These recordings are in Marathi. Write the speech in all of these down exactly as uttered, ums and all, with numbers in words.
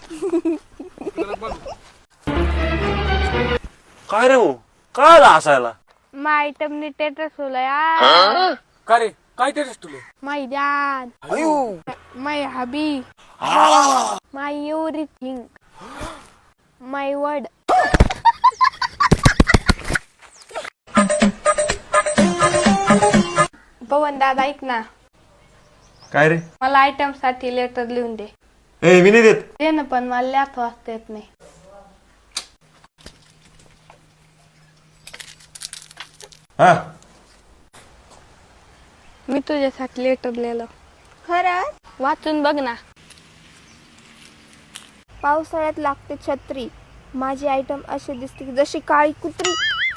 काय रे भाऊ काय हसायला? मा आयटमने टेटस ठेवलं यार. का रे काय टेरेस तुले? My dad, my hubby, my everything, my word. Pawan दादा ऐक ना, काय रे? मला आयटम साठी लेटर लिहून दे. ए मी नाही देत. दे ना, पण मला लिहायचं वाचता येत नाही. हा मी तुझ्यासाठी लेटर लिहिलं. खरंच? वाचून बघ ना. पावसाळ्यात लागते छत्री, माझी आयटम अशी दिसते की जशी काळी कुत्री.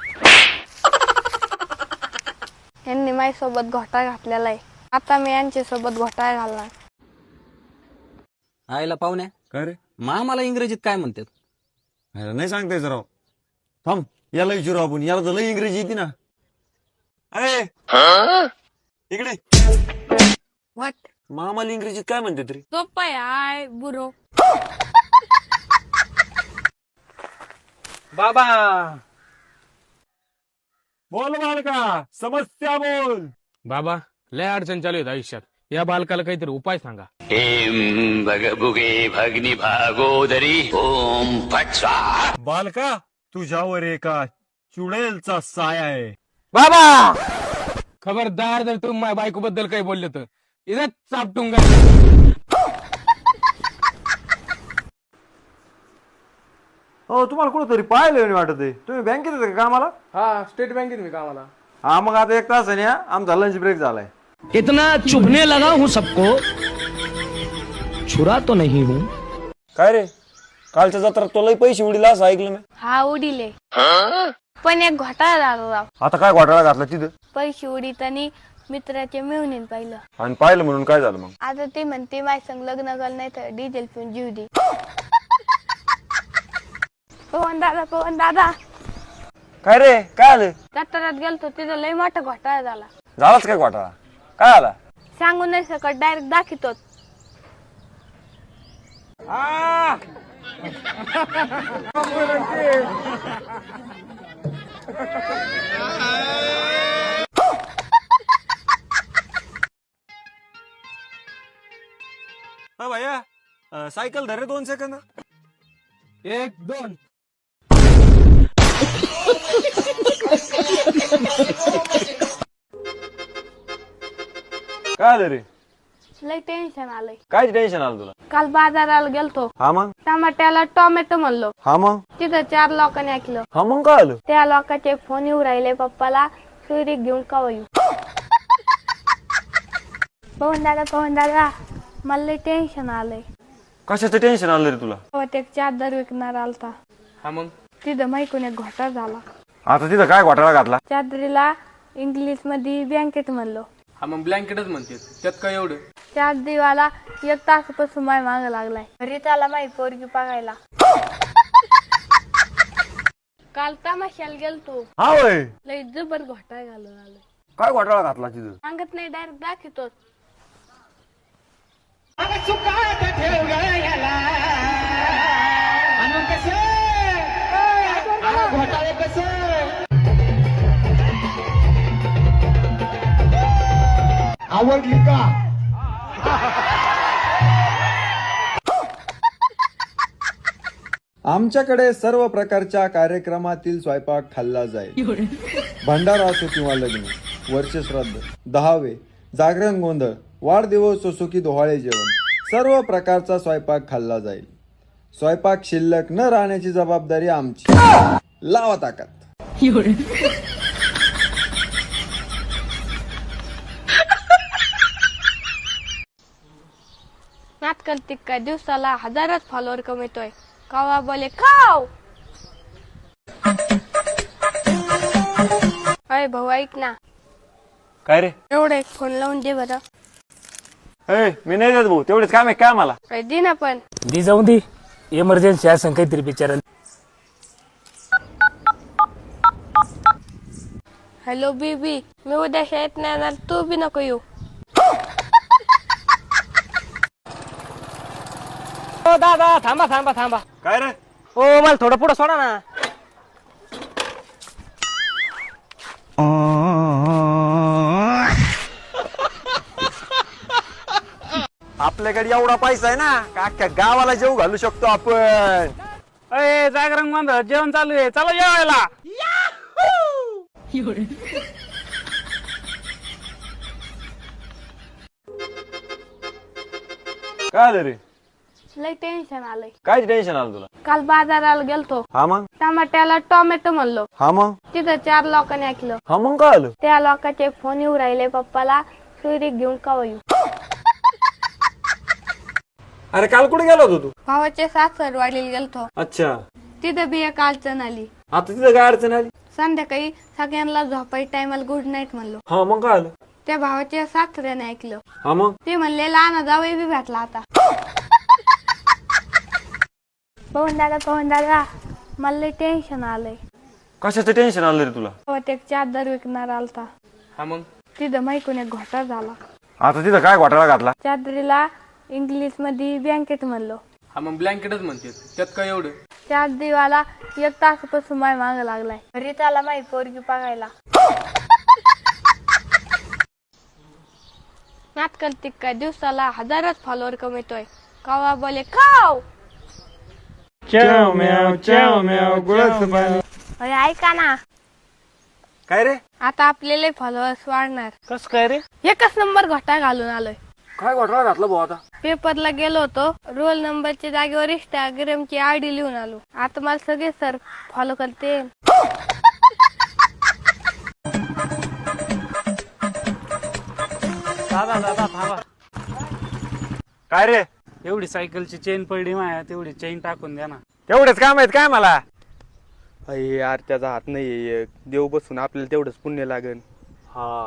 यांनी माझ्यासोबत घोटाळा घातलेला आहे, आता मी यांच्या सोबत घोटाळा घालणार. आईला पाहुण्या काय रे? मामाला इंग्रजीत काय म्हणतात? नाही सांगताय जरा. थांब याला विचारू आपण, याला तर लई इंग्रजी येते ना. अरे इकडे व्हॉट? मामाला इंग्रजीत काय म्हणते तरी? सोपं आहे. आय बुरो. बाबा बोल बालका, समस्या बोल. बाबा लय अडचण चालू आहेत आयुष्यात, या बालकाला काहीतरी उपाय सांगा. हेम भगभुगे भगनी भागोदरी ओम फट स्वाहा. बालका तुझ्यावर एका चुडेलचा साया आहे. बाबा खबरदार जर तुम्ही माझ्या बायको बद्दल काही बोलले तर इथं चापटून गा. हो तुम्हाला कुठेतरी पाहिलं वाटत आहे. तुम्ही बँकेत येते का कामाला? हा स्टेट बँकेत मी कामाला. हा मग आता एक तास आहे ना, आमचा लंच ब्रेक झालाय. इतना चुभने लगा हूँ सबको, छुरा तो नहीं हूँ. काय रे कालच्या जत्रात तो लई पैसे उडीला असं ऐकलं मी. हा उडीले, पण एक घोटाळा झाला राव. आता काय घोटाळा घातला तिथं? पैसे उडीत आणि मित्राच्या मिळून पाहिलं. आणि पाहिलं म्हणून काय झालं मग? आता ते म्हणते माझ्या संग लग्न कर, नाही तर डिझेल पिऊन जीव दे. पवन दादा, पवन दादा, काय रे काय आलं? जत्रात गेलतो, तिथं लय मोठा घोटाळा झाला. झालाच काय घोटाळा? काय आला? सांगू नाही सकट, डायरेक्ट दाखवतो. हा भैया अं, सायकल धरे दोन सेकंद. एक दोन. काय आलं रे? लय टेन्शन आलंय. काय टेन्शन आलं तुला? काल बाजाराला गेलतो, हा मग टमाट्याला टोमॅटो म्हणलो, हा मग तिथं चार लोकांनी ऐकलं. हा मग काय आलं? त्या लोकांचे फोन येऊ राहिले पप्पाला, सुरी घेऊन कवा येऊ. पवन दादा, पवन दादा, मला लय टेन्शन आलंय. कशाचं टेन्शन आलं रे तुला? तेव्हा एक चादर विकणार आलता, हा मग तिथं माहिती एक घोटाळा झाला. आता तिथं काय घोटाळा घातला? चादरीला इंग्लिश मध्ये ब्लँकेट म्हणलो. हा मग ब्लँकेटच म्हणते, त्यात काय एवढं? चादरीवाला एक तासापासून माय माग लागलाय. घरी त्याला माही पोरगी बघायला. काल तमाशाला गेलतो, हा वय लय जबर घोटाळा घालून आलोय. काय घोटाळा घातला तिथं? सांगत नाही, डायरेक्ट दाखवतो. आवडली का? आमच्याकडे सर्व प्रकारच्या कार्यक्रमातील स्वयंपाक खाल्ला जाईल. भंडारा असो किंवा लग्न, वर्षश्राद्ध, दहावे, जागरण गोंधळ, वाढदिवस असो की डोहाळे जेवण, सर्व प्रकारचा स्वयंपाक खाल्ला जाईल. स्वयंपाक शिल्लक न राहण्याची जबाबदारी आमची. लावा ताकद. नाटकल तिक्का दिवसाला हजारच फॉलोअर कमवतोय. कावा बोले खाव. अय भाऊ ऐक ना, काय रे? एवढं एक फोन लावून दे बरं. ए मी नाही देत भाऊ, तेवढेच काम आहे काय मला? काय दे ना पण. दी जाऊन दे, इमर्जन्सी असं काहीतरी बिचारा. हॅलो बीबी, मी उद्या शाळेत नाही येणार, तू बी नको येऊ. ओ दादा थांबा थांबा थांबा. काय रे? ओ मला थोडं पुढं सोडा ना. आपल्याकडे एवढा पैसा आहे ना का अख्ख्या गावाला जेव घालू शकतो आपण. अय जागरण गोंधळ जेवण चालू आहे, चला जेवायला. काय आलं रे? लय टेन्शन आलंय. काय टेन्शन आलं तुला? काल बाजाराला गेलतो, हा मग टमाट्याला टोमॅटो म्हणलो, हा मग तिथं चार लोकांनी ऐकलं. हा मग काय आलं? त्या लोकांचे फोन येऊ राहिले पप्पाला, सुरी घेऊन कवा येऊ. अरे काल कुठे गेला होता तू? भावाचे सासर वाढीला गेलतो, अच्छा, तिथं बी एक अडचण आली. आता तिथं काय अडचण आली? संध्याकाळी सगळ्यांना झोपाई टायमाला गुड नाईट म्हणलो. हा मग काय आलं? त्या भावाच्या सासऱ्याने ऐकलं, हा मग ते म्हणले लहान जावई बी भेटला आता. पवन दादा पवन दादा मला लय टेन्शन आलंय. कशाचं टेन्शन आलं रे तुला? गावात एक चादर विकणार आलता, हा मग तिथं माहिकून एक घोटाळा झाला. आता तिथं काय घोटाळा घातला? चादरीला इंग्लिश मध्ये ब्लँकेट म्हणलो. हा मग ब्लँकेटच म्हणते, त्यात काय एवढं. चादरीवाला एक तासापासून माय माग लागलाय. घरी त्याला माही पोरगी बघायला. नाटकल काय दिवसाला हजारच फॉलोअर कमवतोय. कावा बोले खाव. अरे ऐका ना, काय रे? आता आपल्याला फॉलोअर्स वाढणार. कस काय रे? एकच नंबर घोटा घालून आलोय. काय घोटाळा घातला भाऊ आता? पेपरला गेलो होतो, रोल नंबरच्या जागेवर इंस्टाग्रामची आयडी लिहून आलो. आता मला सगळे सर फॉलो करते. दादा दादा थांबा. काय रे? एवढी सायकलची चेन पडली माया, तेवढी चेन टाकून द्या ना. तेवढेच काम आहेत काय मला? अरे यार त्याचा हात नाही, देव बसून आपल्याला तेवढंच पुण्य लागेल. हा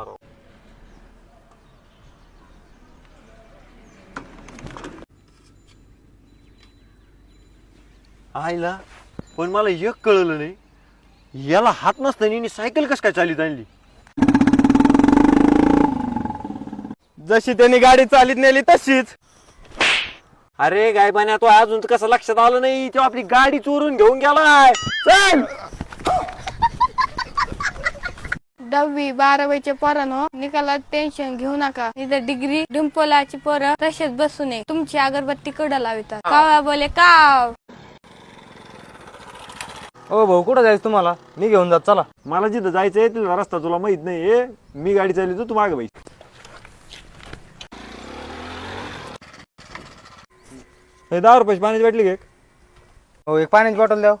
आईला पण मला एक कळलं नाही, याला हात नसताना सायकल कस काय चालित आणली? जशी त्यांनी गाडी चालीत नेली तशीच. अरे गायबाने तो अजून तर कसं लक्षात आलं नाही, तो आपली गाडी चोरून घेऊन गेलाय. चल दहावी बारावीचे पोरांनो, निकालात टेन्शन घेऊ नका. इथं डिग्री डिंपलाची पोरं तसेच बसू नये, तुमची अगरबत्ती कडं लावितात. कावा बोले काव. ओ भाऊ कुठं जायचं तुम्हाला? मी घेऊन जात चला. मला जिथं जायचंय तिथला रस्ता तुला माहित नाही. मी गाडी चालली तू मागे बाई. दहा रुपयाची पाण्याची बाटली घे. हो एक पाण्याची बॉटल द्या.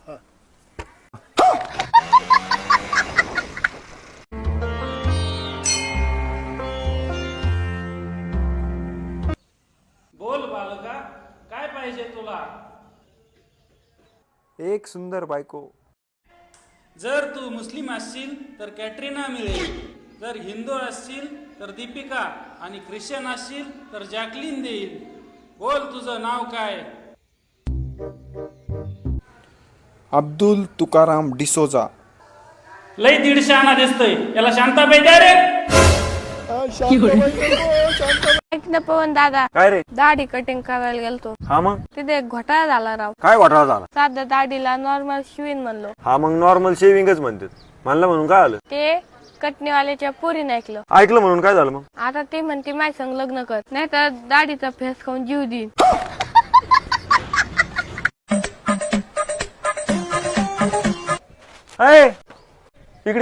बोल बालका, काय पाहिजे तुला? एक सुंदर बायको. जर तू मुस्लिम असशील तर कॅटरीना मिळेल, जर हिंदू असशील तर दीपिका, आणि ख्रिश्चन असशील तर जॅकलिन देईल. बोल तुझं नाव काय? अब्दुल तुकाराम डिसोजा. लय दीडशे आणा दिसतोय, याला शांताबाई द्या रे. ऐक ना पवन दादा, काय रे? दाढी कटिंग करायला गेलतो, हा मग तिथे एक घोटाळा झाला राव. काय घोटाळा झाला? साध्या दाढीला नॉर्मल शिवीन म्हणलो, हा मग नॉर्मल शेविंगच म्हणतात. म्हणलं म्हणून काय आलं? ते कटणीवाल्याच्या पोरीने ऐकलं. ऐकलं म्हणून काय झालं मग? आता ते म्हणते माझ्या संग लग्न कर, नाही तर दाढीचा फेस खाऊन जीव देईन. अय इकडे,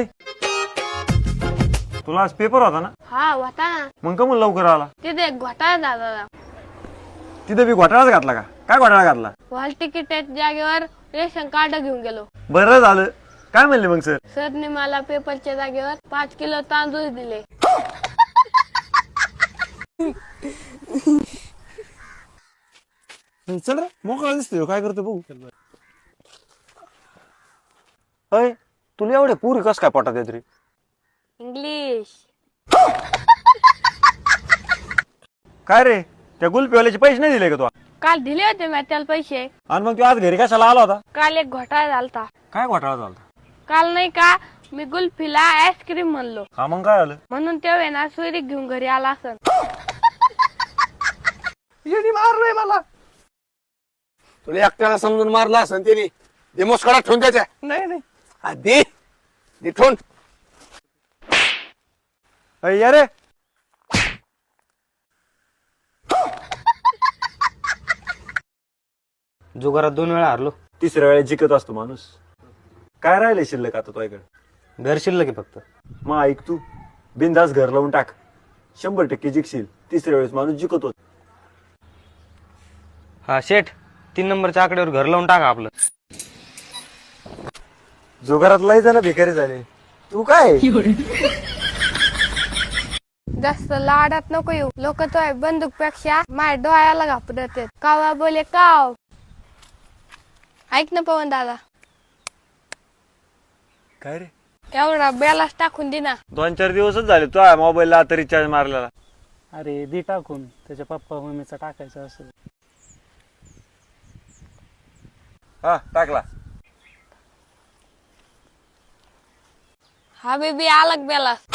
तुला आज पेपर होता ना? हा होता ना. मग का मग लवकर आला? तिथे एक घोटाळा झाला राव. तिथे बी घोटाळाच घातला का? काय घोटाळा घातला? हॉल तिकीट जागेवर रेशन कार्ड घेऊन गेलो. बरं झालं. काय म्हणले मग सर? सरने मला पेपरच्या जागेवर पाच किलो तांदूळ दिले. चल रे, मोकळा दिसतोय. काय करतो बघू. अय तुला एवढे पुरी कस काय पोटात येत रे? इंग्लिश. काय रे, त्या गुलपीवाल्याचे पैसे नाही दिले का तू? काल दिले होते मी त्याला पैसे. आणि मग तू आज घरी कशाला आला होता? काल एक घोटाळा झालता. काय घोटाळा झाला? काल नाही का मी गुल्फीला आईस्क्रीम म्हणलो, हा मग काय आलं? म्हणून तेव्हा ना सुरी घेऊन घरी आला असन. मारलंय मला. तुला एकट्याला समजून मारला असं त्याने दे मुस्कडा ठेवून त्याच्या नाही नाही हा, दे दे ठेवून. अय, या रे जुगारात दोन वेळा हारलो. तिसऱ्या वेळेस जिंकत असतो माणूस. काय राहिले शिल्लक आता तुझ्याकडे? घर शिल्लक आहे फक्त. मग ऐक तू, बिंदास घर लावून टाक, शंभर टक्के जिंकशील. तिसऱ्या वेळेस माणूस जिंकत होत. हा शेठ, तीन नंबरच्या आकड्यावर घर लावून टाका आपलं. जुगारात लय जण भिकारी झाले. तू काय जास्त लाडात नको येऊ. लोक तो बंदूक पेक्षा माझ्या डोळ्याला घाबरत आहेत. कावा बोले काव. ऐक ना पवन दादा, काय रे? एवढा बेलास टाकून दे ना. दोन चार दिवसच झाले तो मोबाईलला आता रिचार्ज मारलेला. अरे दी टाकून, त्याच्या पप्पा मम्मीचा टाकायचं असेल. हा टाकला. हा बेबी आलग बेलास.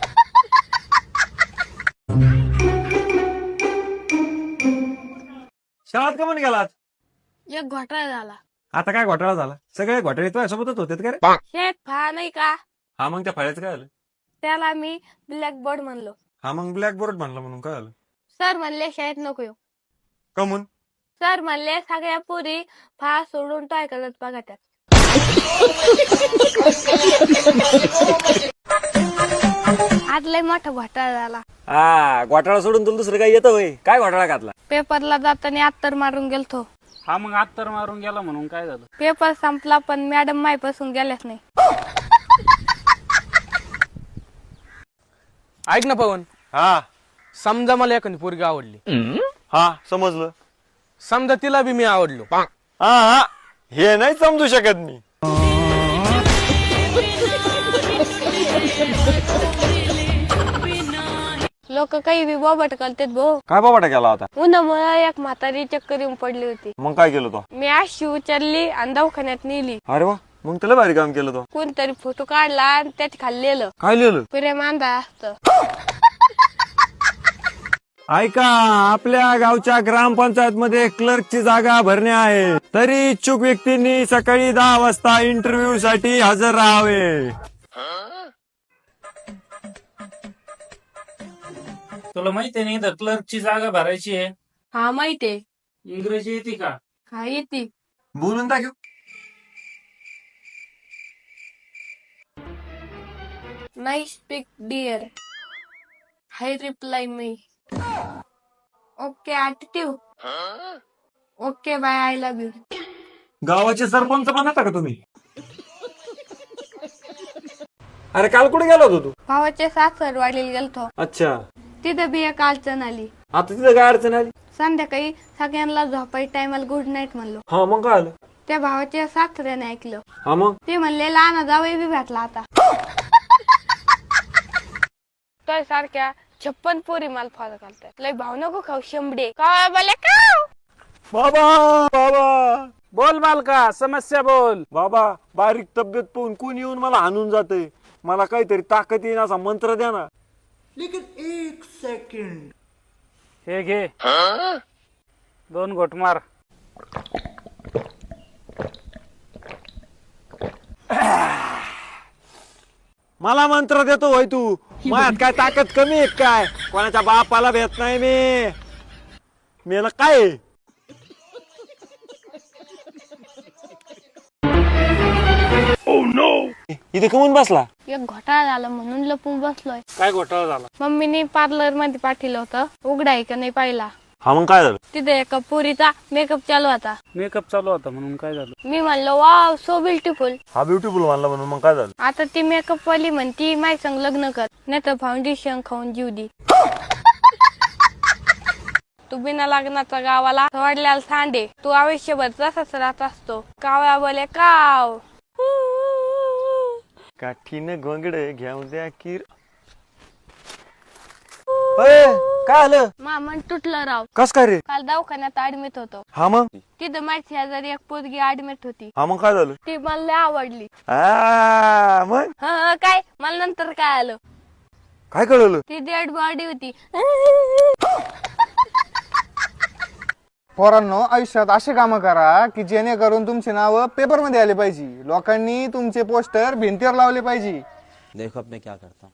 शाळेत का म्हणून गेलात? एक घोटाळा झाला. आता काय घोटाळा झाला? सगळे घोटाळे तुझ्या सोबतच होते का रे? शेठ फा नाही का, हा मग त्या फाळ्याचं काय झालं? त्याला मी ब्लॅक बोर्ड म्हणलो. हा मग ब्लॅक बोर्ड म्हणलं म्हणून काय झालं? सर म्हणले शाळेत नको येऊ. कमून? सर म्हणले सगळ्या पुरी फा सोडून टॉय करत बघा त्यात. आज लय मोठा घोटाळा झाला. हा घोटाळा सोडून तुला दुसरं काय येतं होय? काय घोटाळा घातला? पेपरला जाताना अत्तर मारून गेलतो. हा मग आत्तर मारून गेला म्हणून काय झालं? पेपर संपला पण मॅडम मायपासून गेल्याच नाही. ऐक ना पवन, हा समजा मला एखादी पोरगी आवडली, हा समजलं. समजा तिला बी मी आवडलो, हा हा हे नाही समजू शकत मी. लोक काही बी बोबट करतात भाऊ. काय बाबा केला होता? उन्हामुळे एक म्हातारी चक्कर येऊन पडली होती. मग काय केलं तो? मी अशी उचलली आणि दवाखान्यात नेली. अरे वा, मग त्याला भारी काम केलं तो. कोणतरी फोटो काढला आणि त्यात खाल्लेलं काय लिहिलं? प्रेम अंधा असत. ऐका, आपल्या गावच्या ग्रामपंचायत मध्ये क्लर्कची जागा भरणे आहे. तरी इच्छुक व्यक्तींनी सकाळी दहा वाजता इंटरव्ह्यू साठी हजर राहावे. तुला माहितीये नाही तर क्लर्कची जागा भरायची आहे. हा माहितीये. इंग्रजी येते का? हा येते. बोलून दाखव. नाही speak dear. Hi reply me. Okay attitude. Okay bye I love you. गावाचे सरपंच बनता का तुम्ही? अरे काल कुठे गेला होता तू? भावाच्या सासर वाढीला गेलतो. अच्छा, तिथं बी एक अडचण आली. आता तिथं काय अडचण आली? संध्याकाळी सगळ्यांना झोपाई टायमाला गुड नाईट म्हणलो. हा मग काय आलं? त्या भावाच्या सासऱ्याने ऐकलं. हा मग? ते म्हणले लहान जावई बी भेटला आता. तो सारख्या छप्पन पोरी माल फॉलो करतात. लय भाव नको खाऊ शंभडे. का बोले का? बाबा बाबा बोल बालका, समस्या बोल. बाबा, बारीक तब्येत पाहून कोण येऊन मला हाणून जाते. मला काहीतरी ताकद येईन असा मंत्र द्या ना. हे घे, दोन घोट मार. मला मंत्र देतो होय तू? माझ्यात काय ताकद कमी आहे काय? कोणाच्या बापाला भेट नाही मी. मेला काय? इथे कमून बसला? एक घोटाळा झाला म्हणून लपून बसलोय. काय घोटाळा झाला? मम्मीने पार्लर मध्ये पाठवलं होतं. उघडाय का नाही पाहिला. हा मग काय झालं? तिथे एका पोरीचा मेकअप चालू होता. मेकअप चालू होता म्हणून काय झालं? मी म्हणलो वाव सो ब्युटिफुल. हा ब्युटिफुल म्हणला म्हणून मग काय झालं? आता ती मेकअप वाली म्हणती माय संग लग्न कर, नाही तर फाउंडेशन खाऊन जीव दे. तू बिना लग्नाचा गावाला वाढल्याला सांडे. तू आयुष्यभर तसाच राहत असतो. कावळा बोले काव. काठीनं घोंगड घेऊन द्या किर. अय, काय आलं? मामन तुटलं राव. कस काय रे? काल दवाखान्यात ऍडमिट होतो. हा मग? तिथं माझी शेजारी एक पोरगी ऍडमिट होती. हा मग काय झालं? ती मला लय आवडली. आ, मग हा काय मला नंतर काय आलं? काय कळलं? ती डेड बॉडी होती. पोरांनो, आयुष्यात असे कामं करा की जेणेकरून तुमचे नाव पेपर मध्ये आले पाहिजे. लोकांनी तुमचे पोस्टर भिंतीवर लावले पाहिजे. देखो अब मैं क्या करता हूँ.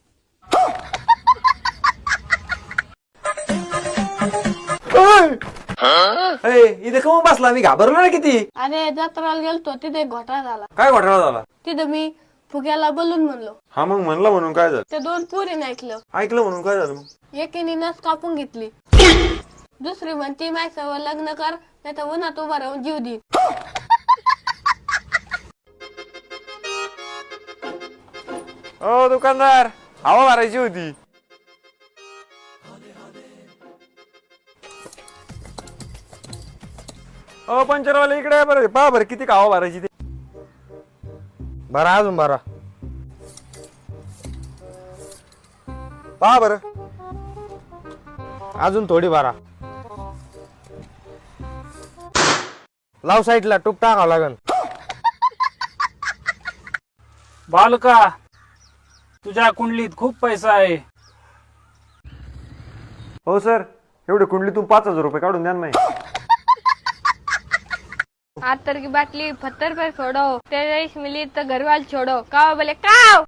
इथे कमून बसला, मी घाबरलो ना किती. अरे जत्राला गेलतो तिथे एक घोटाळा झाला. काय घोटाळा झाला? तिथं मी फुग्याला बोलून म्हणलो. हा मग म्हणला म्हणून काय झालं? त्या दोन पोरीने ऐकलं. ऐकलं म्हणून काय झालं मग? एकीने नस कापून घेतली. दुसरी म्हणती माझ्यासोबत लग्न कर, नाही तर उन्हात उभा राहून जीव दे. ओ दुकानदार, हवा भरायची होती. ओ पंचरवाले इकडे आहे बरं, पहा बरं किती हवा भरायची ते. बरा अजून बरा. पहा बरं. अजून थोडी बारा. लाव साईडला, टूप टाकावं लागन. बालका, तुझ्या कुंडलीत खूप पैसा आहे. हो सर, एवढे कुंडलीतून पाच हजार रुपये काढून द्या ना माही. आतर की बाटली पत्थर पर छोड़ो, तेईस मिली तो घरवाल छोड़ो. काव बोले काव.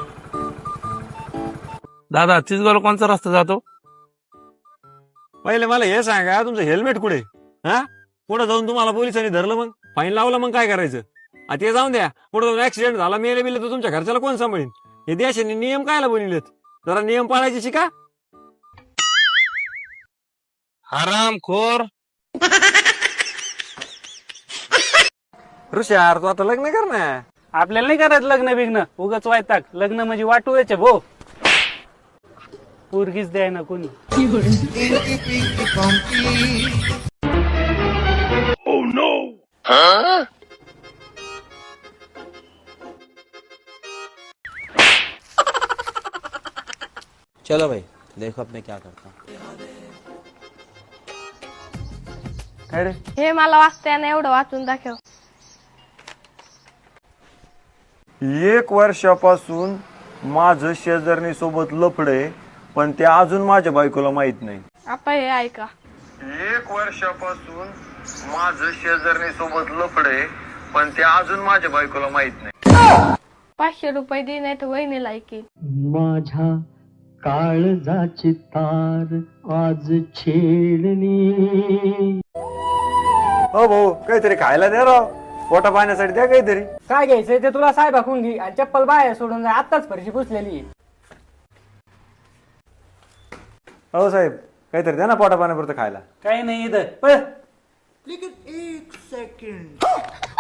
दादा चिचगावला कोणचा रस्ता जातो? पहिले मला हे सांगा, तुमचं हेल्मेट कुठे? हा, पुढे जाऊन तुम्हाला पोलिसांनी धरलं, मग फाईन लावलं, मग काय करायचं? आता ते जाऊन द्या. पुढे जाऊन ऍक्सिडेंट झाला, मेले बिले तर तुमच्या घरच्याला कोण सांभाळीन? हे देशाने नियम कायला बनवलेत? जरा नियम पाळायचे शिका. हराम खोर. ऋषार, तू आता लग्न कर ना. आपल्याला नाही करायचं लग्न बिग्न, उगाच वायताक. लग्न म्हणजे वाटू याचे भो. पोरगीच द्याय ना कोणी. चलो भाई, देखो अब मैं क्या करता हूँ. काय रे? हे मला वाचता ना, एवढं वाचून दाखव. एक वर्षापासून माझं शेजारणी सोबत लफडे, पण ते अजून माझ्या बायकोला माहित नाही. आता हे ऐका. एक वर्षापासून माझं शेजारणी सोबत लफडे, पण ते अजून माझ्या बायकोला माहित नाही. पाचशे रुपये दे, नाही तर वहिनीला ऐकी. माझ्या काळजाची तार आज छेडली. हो भाऊ, काहीतरी खायला द्या राव, पोटा पाण्यासाठी द्या काहीतरी. काय घ्यायचंय ते तुला साहेब हाकून घे आणि चप्पल बाहेर सोडून जा. आत्ताच फरशी पुसलेली. हो साहेब, काहीतरी द्या ना पोटा पाण्यापुरतं खायला. काही नाही इथं. पळ. एक सेकंड.